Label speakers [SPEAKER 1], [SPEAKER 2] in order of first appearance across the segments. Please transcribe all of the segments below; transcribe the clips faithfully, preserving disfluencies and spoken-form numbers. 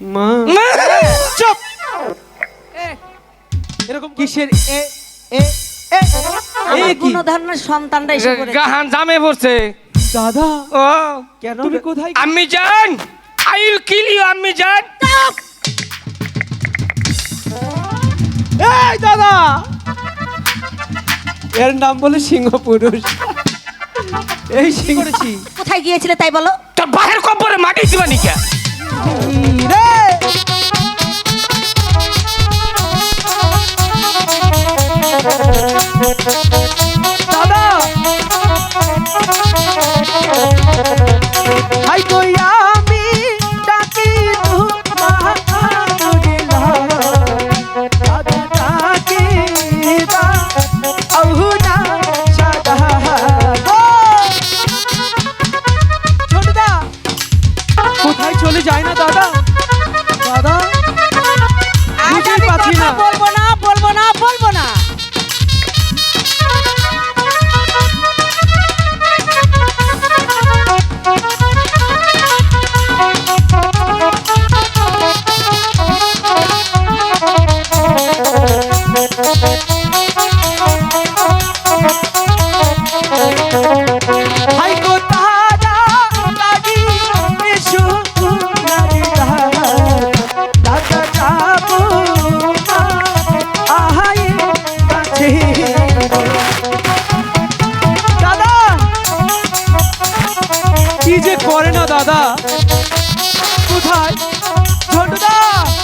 [SPEAKER 1] মা চুপ এরকম কিসের এ এ এ
[SPEAKER 2] এই কোন ধরনের সন্তানটা এসে পড়েছে
[SPEAKER 3] গাহান জামে পড়ছে
[SPEAKER 1] দাদা
[SPEAKER 3] ও
[SPEAKER 1] কেন তুমি কোথায়
[SPEAKER 3] আম্মি জান আই উইল কিল ইউ আম্মি জান
[SPEAKER 1] এই দাদা এর নাম বলে সিংহ পুরুষ এই সিংহ করেছি
[SPEAKER 2] কোথায় গিয়েছিলে তাই বলো
[SPEAKER 3] তোর বাহির কবরে মাটি দিবা নিকা
[SPEAKER 1] রে দাদা হাই কই আমি ডাকি তোমাকে দাদা ডাকি দা আহুনা সাদা গো ছোটদা কোথায় চলে যায় না দাদা দাদা
[SPEAKER 2] আজ
[SPEAKER 1] বুঝতেই
[SPEAKER 2] আমি
[SPEAKER 1] পারছি
[SPEAKER 2] কথা
[SPEAKER 1] না।
[SPEAKER 2] বলবো না বলবো না বলবো না
[SPEAKER 1] হাই গো তারা লাগি এসো লাগি দাদা যাবো আহাই কাছে দাদা কি যে করে না দাদা কোথায় ঝন্টুদা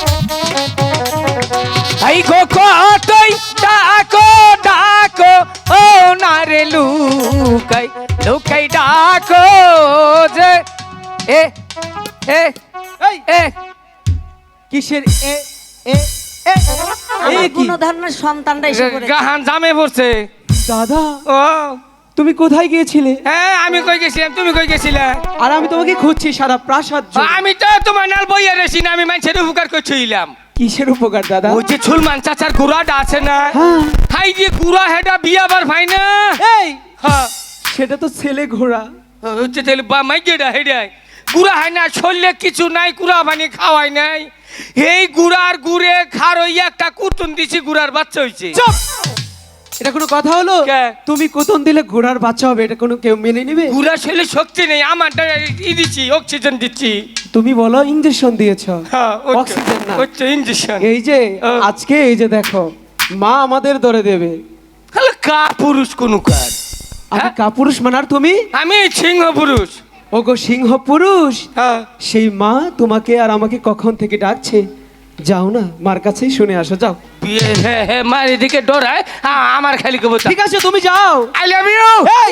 [SPEAKER 3] আই গো কতই ডাকো ডাকো ও নারে লুকাই লুকাই ডাকো যে এ এ
[SPEAKER 1] এই
[SPEAKER 3] এ
[SPEAKER 1] কিসের এ এ এ এ কি
[SPEAKER 2] কোন ধরনের সন্তানটা এসে পড়েছে
[SPEAKER 3] গাহান জামে পড়ছে
[SPEAKER 1] দাদা
[SPEAKER 3] ও
[SPEAKER 1] তুমি কোথায় গিয়েছিলে
[SPEAKER 3] হ্যাঁ আমি কই গেছিলাম তুমি কই গেছিলে
[SPEAKER 1] আর আমি তোমাকে খুঁজছি সারা প্রাসাদ জুড়ে।
[SPEAKER 3] আমি তো তোমার নাল বইয়া রেছি না আমি মানুষের উপকার করছিলাম
[SPEAKER 1] কিসের উপকার দাদা
[SPEAKER 3] ওই যে ছুলমান চাচার গুড়াটা আছে না
[SPEAKER 1] হ্যাঁ
[SPEAKER 3] হাই যে গুড়া হেটা বিয়া বার ভাই না
[SPEAKER 1] এই
[SPEAKER 3] হ্যাঁ
[SPEAKER 1] সেটা তো ছেলে ঘোড়া
[SPEAKER 3] হচ্ছে তাহলে বা মাইকেটা হেডাই গুড়া হয় না শরীরে কিছু নাই গুড়া বানিয়ে খাওয়াই নাই এই গুড়ার গুড়ে খার ওই একটা কুটুন দিছি গুড়ার বাচ্চা হইছে
[SPEAKER 1] চুপ এটা কোনো কথা হলো
[SPEAKER 3] কে?
[SPEAKER 1] তুমি কোতন দিলে ঘোড়ার বাচ্চা হবে এটা কোনো কেউ মেনে নেবে
[SPEAKER 3] গুড়া শরীরে শক্তি নেই আমারটা ই দিচ্ছি অক্সিজেন দিচ্ছি
[SPEAKER 1] তুমি বলো ইঞ্জেকশন দিয়েছো
[SPEAKER 3] হ্যাঁ
[SPEAKER 1] অক্সিজেন না
[SPEAKER 3] হচ্ছে ইঞ্জেকশন
[SPEAKER 1] এই যে
[SPEAKER 3] ও।
[SPEAKER 1] আজকে এই যে দেখো মা আমাদের ধরে দেবে
[SPEAKER 3] তাহলে কা পুরুষ কোন কার
[SPEAKER 1] আমি
[SPEAKER 3] হ্যাঁ?
[SPEAKER 1] কাপুরুষ মানার তুমি
[SPEAKER 3] আমি সিংহ পুরুষ
[SPEAKER 1] ওগো সিংহ পুরুষ
[SPEAKER 3] হ্যাঁ
[SPEAKER 1] সেই মা তোমাকে আর আমাকে কখন থেকে ডাকছে যাও না মার কাছেই শুনে আসো যাও
[SPEAKER 3] বিয়ে হে হে মার এদিকে ডরায় হ্যাঁ আমার খালি কবতা
[SPEAKER 1] ঠিক আছে তুমি যাও
[SPEAKER 3] আই লাভ ইউ
[SPEAKER 1] এই!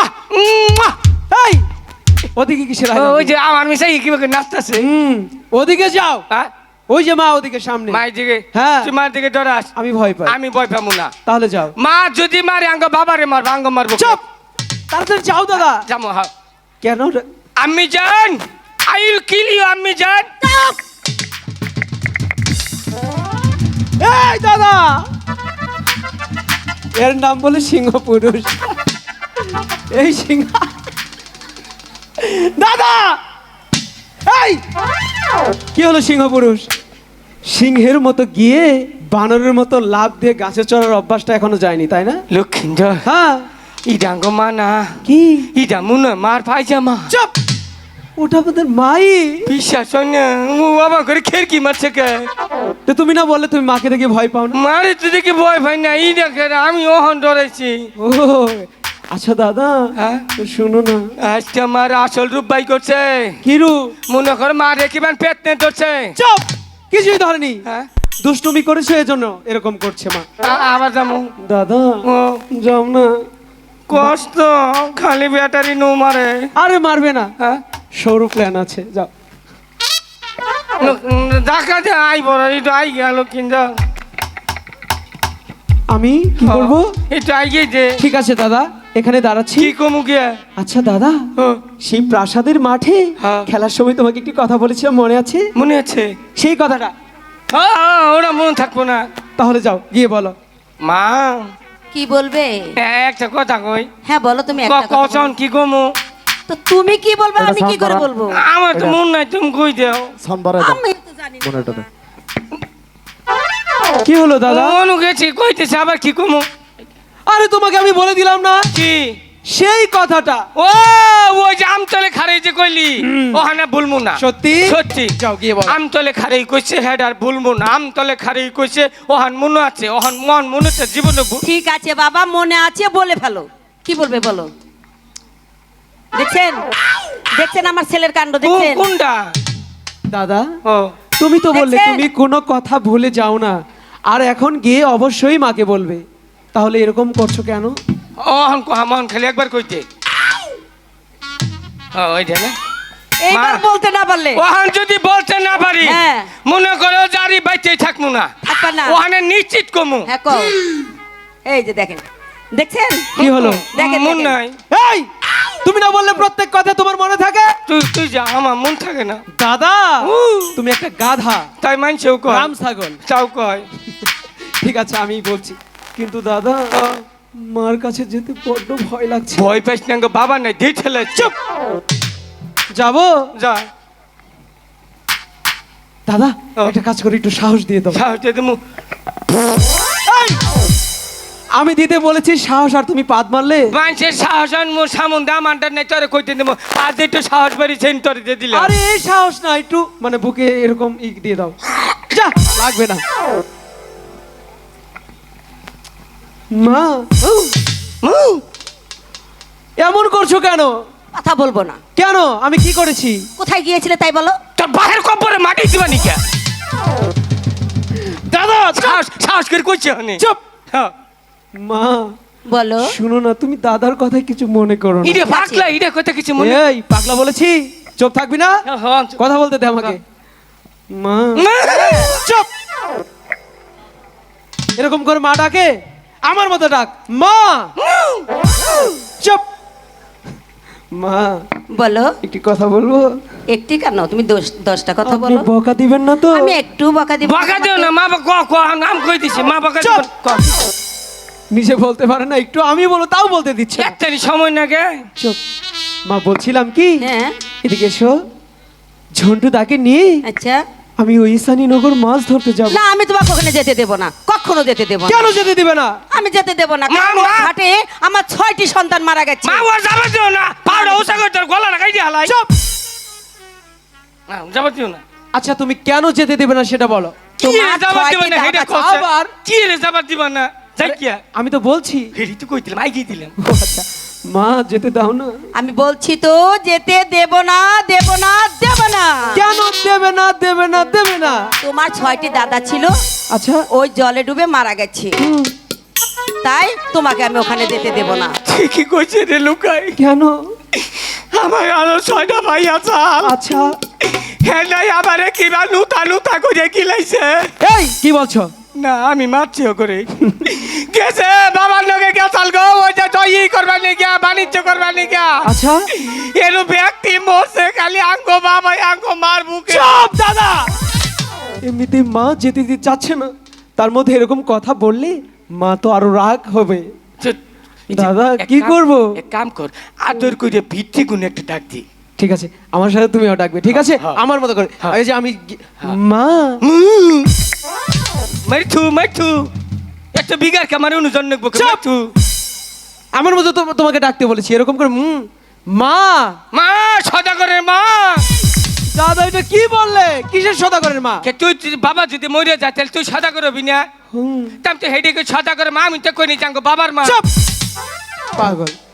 [SPEAKER 1] এই ওদিকে কিসের আয়
[SPEAKER 3] ওই যে আমার মিশাই কিভাবে নাচতেছে
[SPEAKER 1] হুম ওদিকে যাও
[SPEAKER 3] হ্যাঁ
[SPEAKER 1] ওই যে মা ওদিকে সামনে
[SPEAKER 3] মায়ের দিকে
[SPEAKER 1] হ্যাঁ।
[SPEAKER 3] তুই মার দিকে ডরাস
[SPEAKER 1] আমি ভয় পাই
[SPEAKER 3] আমি ভয় পাবো না
[SPEAKER 1] তাহলে যাও
[SPEAKER 3] মা যদি মারে আঙ্গ বাবারে মারবো আঙ্গ মারবো
[SPEAKER 1] চুপ তাড়াতাড়ি যাও দাদা
[SPEAKER 3] যাবো হ্যাঁ
[SPEAKER 1] কেন রে-
[SPEAKER 3] আম্মি জান আই উইল কিল ইউ আম্মি জান
[SPEAKER 1] এই দাদা এর নাম বলে সিংহ পুরুষ এই সিংহ দাদা এই কি হলো সিংহ পুরুষ সিংহের মতো গিয়ে বানরের মতো লাভ দিয়ে গাছে চড়ার অভ্যাসটা এখনো যায়নি তাই না
[SPEAKER 3] লক্ষ্মীন্দর
[SPEAKER 1] হ্যাঁ
[SPEAKER 3] ইডাঙ্গ মা না
[SPEAKER 1] কি
[SPEAKER 3] ইডা মুনে মার পায়জামা
[SPEAKER 1] চুপ ওটা আমাদের মাই
[SPEAKER 3] বিশ্বাস হয় না ও বাবা করে খেরকি মারছে কে
[SPEAKER 1] তো তুমি না বললে তুমি মাকে দেখে ভয় পাও না
[SPEAKER 3] মারে তো দেখি ভয় ভাই না ইডা করে আমি ওহন ডরাইছি
[SPEAKER 1] ও আচ্ছা দাদা
[SPEAKER 3] হ্যাঁ?
[SPEAKER 1] তো শুনো না
[SPEAKER 3] আজকে আমার আসল রূপ বাই করছে
[SPEAKER 1] কিরু
[SPEAKER 3] মনে করে মা রেখিবান পেট নে ধরছে
[SPEAKER 1] চুপ কিছুই ধরেনি
[SPEAKER 3] হ্যাঁ
[SPEAKER 1] দুষ্টুমি করেছে এজন্য এরকম করছে মা
[SPEAKER 3] আ- আবার যাবো
[SPEAKER 1] দাদা
[SPEAKER 3] ও
[SPEAKER 1] যাও না
[SPEAKER 3] কষ্ট খালি ব্যাটারি নো মারে
[SPEAKER 1] আরে মারবে না
[SPEAKER 3] হ্যাঁ
[SPEAKER 1] সৌর প্ল্যান আছে যাও
[SPEAKER 3] দেখা যায় আই বড় এটা আই গেল কিন্তু
[SPEAKER 1] আমি কি করব
[SPEAKER 3] এটা আই গেছে
[SPEAKER 1] ঠিক আছে দাদা এখানে দাঁড়াচ্ছি
[SPEAKER 3] কি কমু গিয়া
[SPEAKER 1] আচ্ছা দাদা
[SPEAKER 3] ও,
[SPEAKER 1] সেই প্রাসাদের মাঠে
[SPEAKER 3] হ্যাঁ।
[SPEAKER 1] খেলার সময় তোমাকে একটি কথা বলেছিলাম মনে আছে
[SPEAKER 3] মনে আছে
[SPEAKER 1] সেই কথাটা
[SPEAKER 3] হ্যাঁ, হ্যাঁ, ওরা মনে থাকবো না
[SPEAKER 1] তাহলে যাও গিয়ে বলো
[SPEAKER 3] মা
[SPEAKER 2] কি বলবে
[SPEAKER 3] একটা কথা কই
[SPEAKER 2] হ্যাঁ বলো তুমি একটা কথা
[SPEAKER 3] কখন
[SPEAKER 2] বলো।
[SPEAKER 3] কি কমু
[SPEAKER 2] তো তুমি কি বলবে আমি কি করে বলবো
[SPEAKER 3] আমার তো মন নাই তুমি কই দেও
[SPEAKER 4] সানবারে দাও
[SPEAKER 2] আমি তো জানি
[SPEAKER 1] মনেটা দে। কি হলো দাদা?
[SPEAKER 3] অনু গেছি কইতেছে আবার কি কমু
[SPEAKER 1] আরে তোমাকে আমি বলে দিলাম না
[SPEAKER 3] কি
[SPEAKER 1] সেই কথাটা।
[SPEAKER 3] ও ওই যে আমতলে খারাই যে কইলি ওখানে ভুলমু না
[SPEAKER 1] সত্যি?
[SPEAKER 3] সত্যি
[SPEAKER 1] যাও গিয়ে বলো।
[SPEAKER 3] আমতলে খারাই কইছে হেড আর ভুলমু না আমতলে খারাই কইছে ওহান মনে আছে ওহান মন মনেতে জীবনে ভুল-
[SPEAKER 2] ঠিক আছে বাবা, মনে আছে, বলে ফেলো। কি বলবে বলো? দেখছেন দেখছেন আমার ছেলের কাণ্ড
[SPEAKER 3] কো-
[SPEAKER 2] দেখছেন?
[SPEAKER 3] কোনটা
[SPEAKER 1] দাদা
[SPEAKER 3] ও
[SPEAKER 1] তুমি তো বললে
[SPEAKER 2] দেখছেন?
[SPEAKER 1] তুমি কোনো কথা ভুলে যাও না, আর এখন গিয়ে অবশ্যই মাকে বলবে, তাহলে এরকম করছো কেন?
[SPEAKER 3] ওহান কো হামন খালি একবার কইতে ও ওইটা না
[SPEAKER 2] এইবার
[SPEAKER 3] মা।
[SPEAKER 2] বলতে না পারলে
[SPEAKER 3] ওহান যদি বলতে না পারি
[SPEAKER 2] হ্যাঁ।
[SPEAKER 3] মনে করো জারি বাইতে থাকমু না
[SPEAKER 2] থাকবা না।
[SPEAKER 3] ওখানে নিশ্চিত কমু
[SPEAKER 2] হ্যাঁ কও। এই যে দেখেন, দেখছেন?
[SPEAKER 1] কি হলো?
[SPEAKER 2] দেখেন,
[SPEAKER 3] মন
[SPEAKER 2] দেখেন।
[SPEAKER 3] নাই
[SPEAKER 1] এই তুমি না বললে প্রত্যেক কথা তোমার মনে থাকে?
[SPEAKER 3] তুই তুই যা আমার মন থাকে না
[SPEAKER 1] দাদা
[SPEAKER 3] উ।
[SPEAKER 1] তুমি একটা গাধা,
[SPEAKER 3] তাই মানছেও কয়
[SPEAKER 1] রাম ছাগল।
[SPEAKER 3] চাও কয়
[SPEAKER 1] ঠিক আছে আমি বলছি, কিন্তু দাদা মার কাছে যেতে বড্ড ভয় লাগছে।
[SPEAKER 3] ভয় পাইস না গো, বাবা নাই দিয়ে ঠেলে চুপ
[SPEAKER 1] যাবো
[SPEAKER 3] যা
[SPEAKER 1] দাদা,
[SPEAKER 3] ও।
[SPEAKER 1] একটা কাজ করি, একটু সাহস দিয়ে দাও।
[SPEAKER 3] সাহস দিয়ে দিমু।
[SPEAKER 1] এই! আমি দিতে বলেছি সাহস, আর তুমি পাদ মারলে।
[SPEAKER 3] মানুষের সাহস আনমু সামন দা মানটার নাই তোরে কইতে দেবো আজ একটু সাহস বাড়িছেন তোরে দিয়ে দিলে
[SPEAKER 1] আরে এই সাহস না, একটু মানে বুকে এরকম ই দিয়ে দাও। যা, লাগবে না। মা উ, এমন করছো কেন?
[SPEAKER 2] কথা বলবো না।
[SPEAKER 1] কেন? আমি কি করেছি?
[SPEAKER 2] কোথায় গিয়েছিলে তাই বলো?
[SPEAKER 3] তোর বাহের কপরে মাটি দিবা নিকা
[SPEAKER 1] দাদা
[SPEAKER 3] সাহস সাহস করে কইছে হনে
[SPEAKER 1] চুপ।
[SPEAKER 3] হ্যাঁ
[SPEAKER 1] মা
[SPEAKER 2] বলো।
[SPEAKER 1] শুনো না, তুমি দাদার কথায় কিছু মনে করো না।
[SPEAKER 3] ইরে পাগলা ইরে কথা কিছু মনে
[SPEAKER 1] এই পাগলা বলেছি, চুপ থাকবি না?
[SPEAKER 3] হ্যাঁ, হ্যাঁ, চুপ।
[SPEAKER 1] কথা বলতে দে আমাকে। মা
[SPEAKER 3] মা!
[SPEAKER 1] চুপ। এরকম করে মা ডাকে? আমার মতো ডাক, মা। চুপ। মা
[SPEAKER 2] বলো।
[SPEAKER 1] একটি কথা বলবো?
[SPEAKER 2] একটি কেন, তুমি দশ- দশটা কথা
[SPEAKER 1] আপনি
[SPEAKER 2] বলো।
[SPEAKER 1] বকা দিবেন না তো?
[SPEAKER 2] আমি একটু বকা দিব।
[SPEAKER 3] বকা দিও না মা ক ক নাম কই দিছি মা বকা
[SPEAKER 1] চুপ।
[SPEAKER 3] দিও ক
[SPEAKER 1] নিজে বলতে পারে না, একটু আমি বলো তাও বলতে দিচ্ছে না।
[SPEAKER 3] একটানি সময় না গে
[SPEAKER 1] চুপ। মা বলছিলাম কি,
[SPEAKER 2] হ্যাঁ
[SPEAKER 1] এদিকে এসো, ঝন্টু তাকে নিয়ে
[SPEAKER 2] আচ্ছা।
[SPEAKER 1] আমি ওই নগর মাছ ধরতে যাব।
[SPEAKER 2] না, আমি তোমাকে ওখানে যেতে দেব না, কখনো যেতে দেব না।
[SPEAKER 1] কেন যেতে দিবে না?
[SPEAKER 2] আমি যেতে দেব না,
[SPEAKER 3] মা,
[SPEAKER 2] কারণ
[SPEAKER 3] মা।
[SPEAKER 2] ওই ঘাটে আমার ছয়টি সন্তান মারা গেছে।
[SPEAKER 3] মা ওর যাবে দিও না পাউডার উসা করে তোর গলা লাগাই দি হালাই
[SPEAKER 1] চুপ।
[SPEAKER 3] না যাবে দিও না
[SPEAKER 1] আচ্ছা তুমি কেন যেতে দিবে না সেটা বলো।
[SPEAKER 3] কি রে
[SPEAKER 2] তোমার
[SPEAKER 3] যাবে দিবা
[SPEAKER 2] ছয়টি
[SPEAKER 3] না
[SPEAKER 2] দাঁত
[SPEAKER 3] হেডে
[SPEAKER 2] আছে।
[SPEAKER 3] কইছে
[SPEAKER 1] আবার?
[SPEAKER 3] কি রে যাবে দিবা না যাই কি
[SPEAKER 1] আমি তো বলছি।
[SPEAKER 3] হেডি তো কইতিলাম আই দিলাম
[SPEAKER 1] ও আচ্ছা, মা যেতে দাও না।
[SPEAKER 2] আমি বলছি তো যেতে দেব না, দেব না, দেব না।
[SPEAKER 1] কেন দেবে না দেবে না দেবে না?
[SPEAKER 2] তোমার ছয়টি দাদা ছিল,
[SPEAKER 1] আচ্ছা
[SPEAKER 2] ওই জলে ডুবে মারা গেছে,
[SPEAKER 1] হুম,
[SPEAKER 2] তাই তোমাকে আমি ওখানে যেতে দেব না।
[SPEAKER 3] ঠিকই কইছে রে লুকাই
[SPEAKER 1] কেন?
[SPEAKER 3] আমার আরো ছয়টা ভাই আছে
[SPEAKER 1] আচ্ছা
[SPEAKER 3] হ্যাঁ নাই আমারে কিবা নুতা নুতা করে কিলাইছে
[SPEAKER 1] এই কি বলছো?
[SPEAKER 3] না আমি মারছিও করে গেছে বাবার লগে গেছাল গো ওই যে জয়ী করবার নি গিয়া বাণিজ্য করবার নি গিয়া
[SPEAKER 1] আচ্ছা
[SPEAKER 3] এরু ব্যক্তি মরছে খালি আঙ্গো বাবা আঙ্গো মার বুকে
[SPEAKER 1] চুপ দাদা। এমনিতে মা যেতে দিতে চাচ্ছে না, তার মধ্যে এরকম কথা বললে মা তো আরো রাগ হবে। দাদা,
[SPEAKER 3] এক
[SPEAKER 1] কি
[SPEAKER 3] কাম-
[SPEAKER 1] করব?
[SPEAKER 3] এক কাম কর আদর করে ভিত্তি গুণ একটা ডাক দি
[SPEAKER 1] ঠিক আছে, আমার সাথে তুমিও ডাকবে, ঠিক আছে?
[SPEAKER 3] হ্যাঁ।
[SPEAKER 1] আমার মতো করে।
[SPEAKER 3] হ্যাঁ।
[SPEAKER 1] এই যে আমি গি- মা
[SPEAKER 3] মাইথু মাইথু একটা বিঘার কামারে অনুজন নেবো
[SPEAKER 1] চুপ!
[SPEAKER 3] মাইথু
[SPEAKER 1] আমার মতো তো তোমাকে ডাকতে বলেছি, এরকম করে হুম মা।
[SPEAKER 3] মা সদাগরের মা
[SPEAKER 1] দাদা এটা কি বললে? কিসের সদাগরের মা?
[SPEAKER 3] কে তুই যদি বাবা যদি মরে যায় তাহলে তুই সদাগর হবি না
[SPEAKER 1] হুম,
[SPEAKER 3] তাম তো হেডে সদাগরের মা আমি তো কই নি জাঙ্গো বাবার মা
[SPEAKER 1] চুপ পাগল।